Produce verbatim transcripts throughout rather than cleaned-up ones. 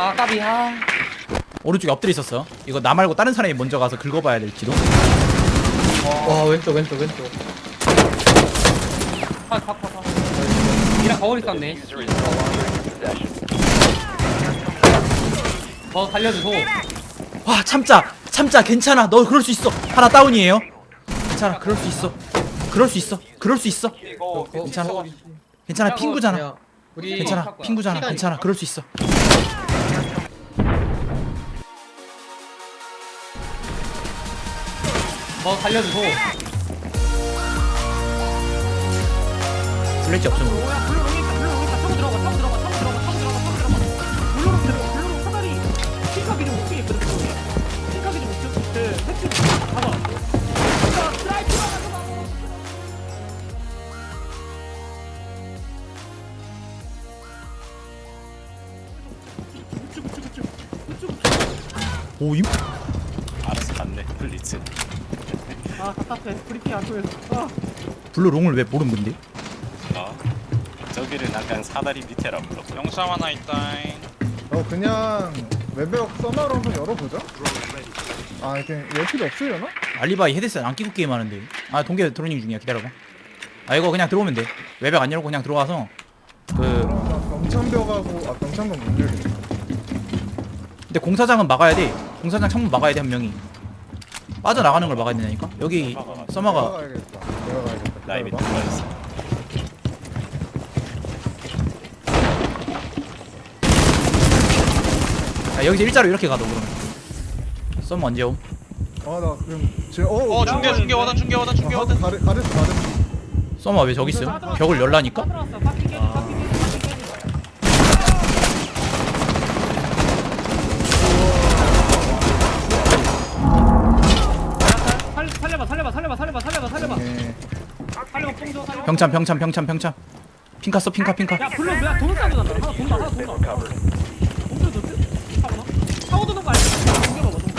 아 까비. 아 오른쪽에 엎드려 있었어. 이거 나 말고 다른 사람이 먼저 가서 긁어봐야 될지도. 와 왼쪽 왼쪽 왼쪽. 파파파 이랑 거울 있었네. User is no longer in possession. 더 살려주고. 와 참자 참자 괜찮아. 너 그럴 수 있어. 하나 다운이에요. 괜찮아 그럴 수 있어. 그럴 수 있어. 그럴 수 있어. 이거 괜찮아. 이거 괜찮아 핑구잖아. 그냥 우리 괜찮아 핑구잖아. 괜찮아 그럴 수 있어. 더 살려주고. 슬래지 없으면 모르- 뭐야 블루 롱이니까 블루 롱이니까 타고 들어가 타고 들어가 타고 들어가 타고 들어가 타고 들어가 블루 롱 들어가 블루 롱 사다리 핑크하게 좀 웃기게 그렇게 핑크하게 좀 웃겨 그 택시 가봐 자 스트라이크 우측 우측 우측 우측 우측 오 임? 알아서 갔네 블리츠. 아 답답해 브리핑 안 통해서 아 블루 롱을 왜 모름 근데? 어? 저기를 약간 사다리 밑에라 불러. 영상 하나 있다잉. 어 그냥 외벽 써마로 한번 열어보자. 아 이렇게 열 필요 없으려나? 알리바이 헤드셋 안 끼고 게임하는데. 아 동계 드로닝 중이야. 기다려봐. 아 이거 그냥 들어오면 돼. 외벽 안 열고 그냥 들어가서 그 그럼 나 병창벽하고 아 병창벽 못 열겠다. 근데 공사장은 막아야 돼. 공사장 창문 막아야 돼 한 명이. 빠져나가는 걸 막아야 되니까. 여기 내가 서마가 가야겠다. 내가 가야겠다. 나이 밑에 기다려봐. 들어가 있어. 아, 여기서 일자로 이렇게 가도 그러면. 서마 언제 옴? 아나 그럼 제 어. 어 중계 중계 워던 중계 워던 중계 워던. 가르 가르스 가르스. 서마 왜 저기 있어요? 벽을 열라니까? 들어왔어 파킹 깨지 파킹 깨지 파킹 깨지 살- 살려봐 살려봐 살려봐 살려봐 살려봐 살려봐 네. 살려봐 뽕줘 살려봐 병참 병참 병참 병참. 핑카 써 핑카 핑카. 야 블루 뭐야 돈 싸고 간다 하나 돈다 하나 Been 돈다 recovered. 돈도 좋지? 사고나? 사고 도는 거 아니야? 옮겨봐봐 돈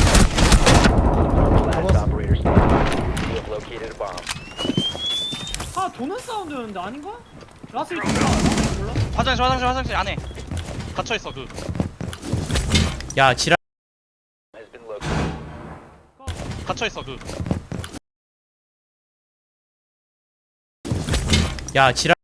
Last operator standing. You have located a bomb. 아 도는 사운드였는데 아닌가? 라스트 몰라? 몰라? 화장실 화장실 화장실 안에 갇혀 있어 그. 야 지랄. Has been located. 갇혀 있어 그. 야 지랄.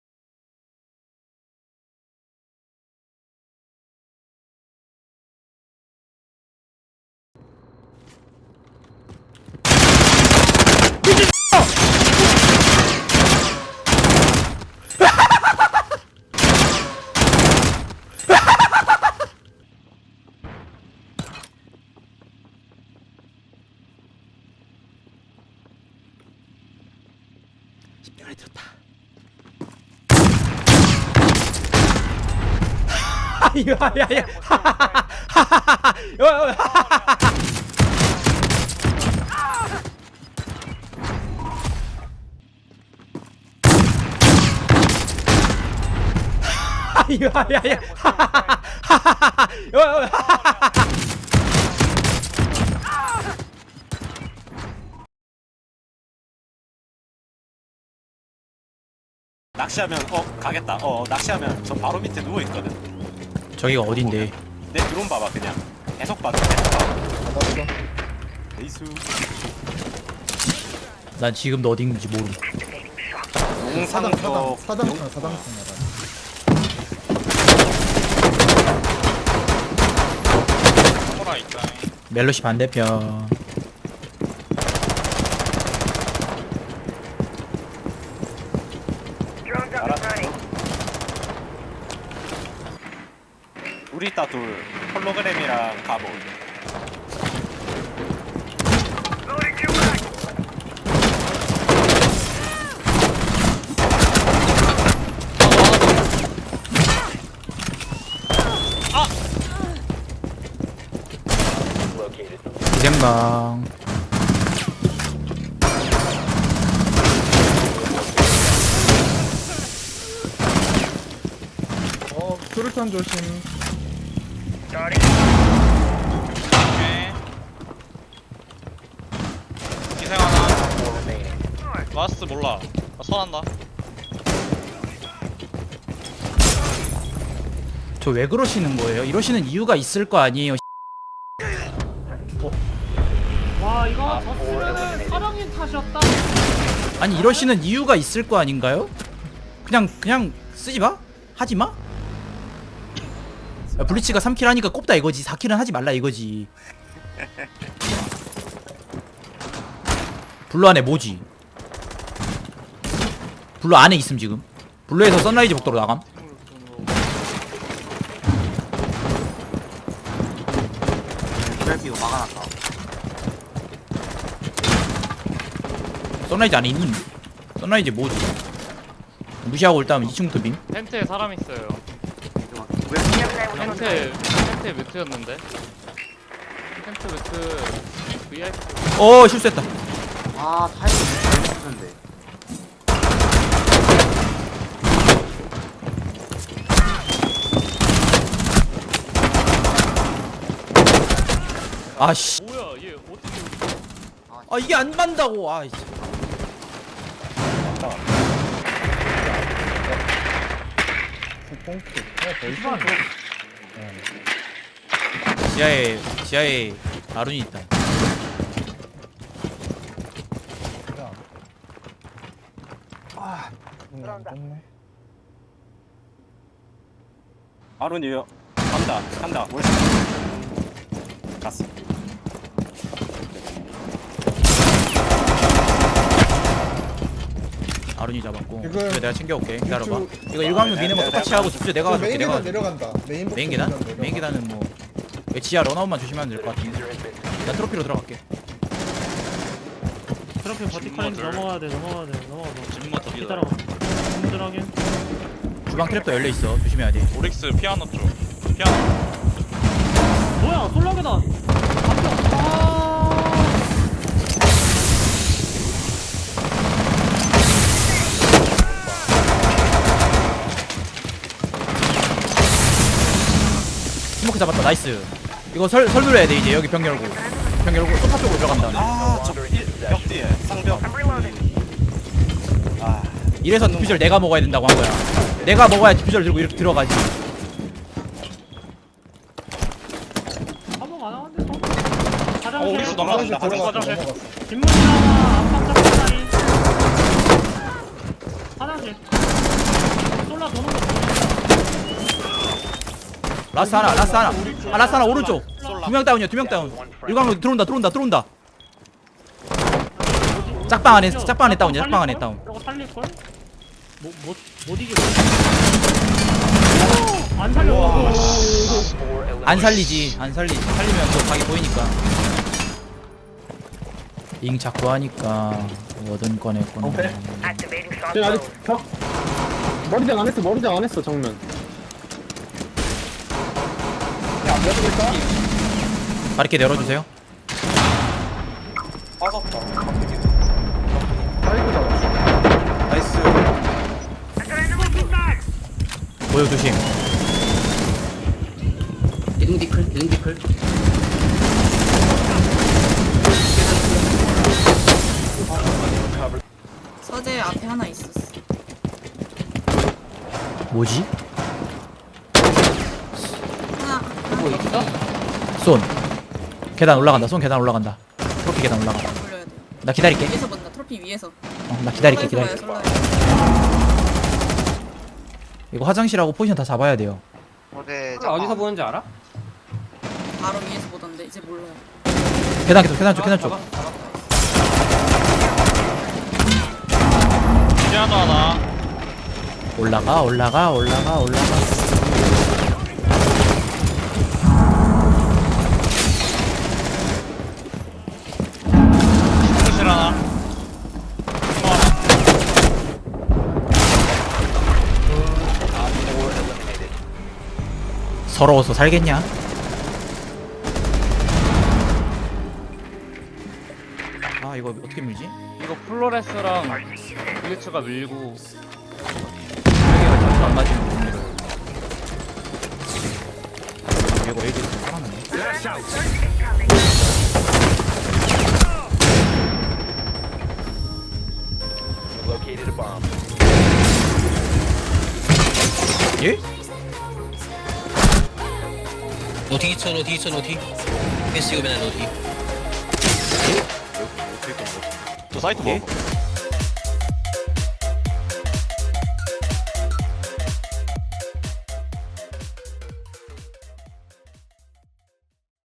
십병을 들었다. 이거 야야. 이거 야야. 낚시하면 어 가겠다. 어 낚시하면 저 바로 밑에 누워 있거든. 저기가 어딘데? 내 드론 봐봐 그냥. 계속 봐도 계속 봐. 받았어. 레이수. 난 지금도 어딘지 모름. 사당 사당 용상도 사당층 사당층 나가. 카메라 있다잉. 멜로시 반대편. 우리 따 둘 홀로그램이랑 갑옷. Located. 기생강. 어 수류탄 조심. 오케이. 기생 하나. Four remaining. 라스트 몰라. 나 선한다. 저 왜 그러시는 거예요? 이러시는 이유가 있을 거 아니에요. 와 이거 졌으면은 사령인 탓이었다. 아니 이러시는 이유가 있을 거 아닌가요? 그냥 그냥 쓰지 마? 하지 마? 야, 블리츠가 삼 킬 하니까 꼽다 이거지. 사 킬은 하지 말라 이거지. 블루 안에 뭐지? 블루 안에 있음 지금. 블루에서 선라이즈 복도로 나감. 이거 막아놨다. 선라이즈 안에 있는. 선라이즈 뭐지? 무시하고 일단 이 층부터 빔. 텐트에 사람 있어요. 텐트 텐트 뮤트였는데. 텐트 뮤트 브이아이피. 어 실수했다. 아 타이밍 잘못했는데. 아씨. 뭐야 얘 어떻게? 아 이게 안 맞다고. 아 씨. 뽕키. 어, 벌써. 지하에 지하에 아룬이 있다. 아, 음, 안 떴네. 아론이요. 간다 간다. 월스. 갔어. 아룬이 잡았고. 지금 그래 내가 챙겨올게. 기다려봐. 유튜브- 이거 일광욕 미는 거 똑같이 하고 집주 내가 저 가줄게. 메인 내가 계단 가줄게. 내려간다. 메인 복도 메인 계단? 내려가. 메인 계단은 뭐 여기 지하 런아웃만 조심하면 될 것 같은데. 나 트로피로 들어갈게. 트럼프 버티컬인지 넘어가야 돼 넘어가야 돼 넘어가. 진모 더 기다려. 힘들하게. 주방 트랩도 열려 있어. 조심해야 돼. 오릭스 피아노 쪽. 피아노. 뭐야 솔라게다. 앞에. 아. 스모크 잡았다. 나이스. 이거 설 설물해야 돼 이제. 여기 병 열고. 병 열고 소파 쪽으로 들어간다. 아저벽 뒤에 쌍벽. 아 이래서 디퓨저를 내가 먹어야 된다고 한 거야. 내가 먹어야 디퓨저를 들고 이렇게 들어가지. 한번 안 하는데 또. 어, 화장실. 우리도 넘어간다. 화장실 들어갔어. 화장실. 넘어갔어. 뒷문이랑 안방 짝짝다리. 화장실. 솔라 도는 거 보이네. 라스 하나, 라스 하나. 아 라스 하나 오른쪽. 두 명 다운이야. 두 명 다운. 일광로 들어온다. 들어온다. 들어온다. 짝방 안에 짝방 안에 다운이야. 짝방 안에 다운. 이거 살릴걸? 뭐못 못 이겨. 안 살려. 안 살리지. 안 살리지. 살리면 또 각이 보이니까. 잉 자꾸 하니까 뭐든 꺼냈구나. 지금 아직 벽 머리장 안 했어. 머리장 안 했어 정면. 바리케 열어주세요. 나이스. 보여 조심. 기둥 디클 기둥 디클. 서재 앞에 하나 있었어. 뭐지? 하나. 뭐 있어? 손. 계단 올라간다. 손 계단 올라간다. 트로피 계단 올라간다. 돌려야 돼. 나 기다릴게. 위에서 본다. 트로피 위에서. 어, 나 기다릴게. 기다릴게. 솔라에서 봐요, 솔라에서. 이거 화장실하고 포지션 다 잡아야 돼요. 그걸 어디서 보는지 알아? 바로 위에서 보던데 이제 몰라요. 계단 계속 계단 쪽 계단 쪽. 잡았- 잡았어. 피아노 하나. 올라가 올라가 올라가 올라가. 화장실 하나. 서러워서 살겠냐? 아 이거 어떻게 밀지? 이거 플로레스랑 블리츠가 밀고 여기가 자꾸 안 맞으면 못 밀어요. 이거 애들 살아나네. Located a bomb. 예? 어디 있어 어디 있어 어디 패스 오면 어디 저 사이트 뭐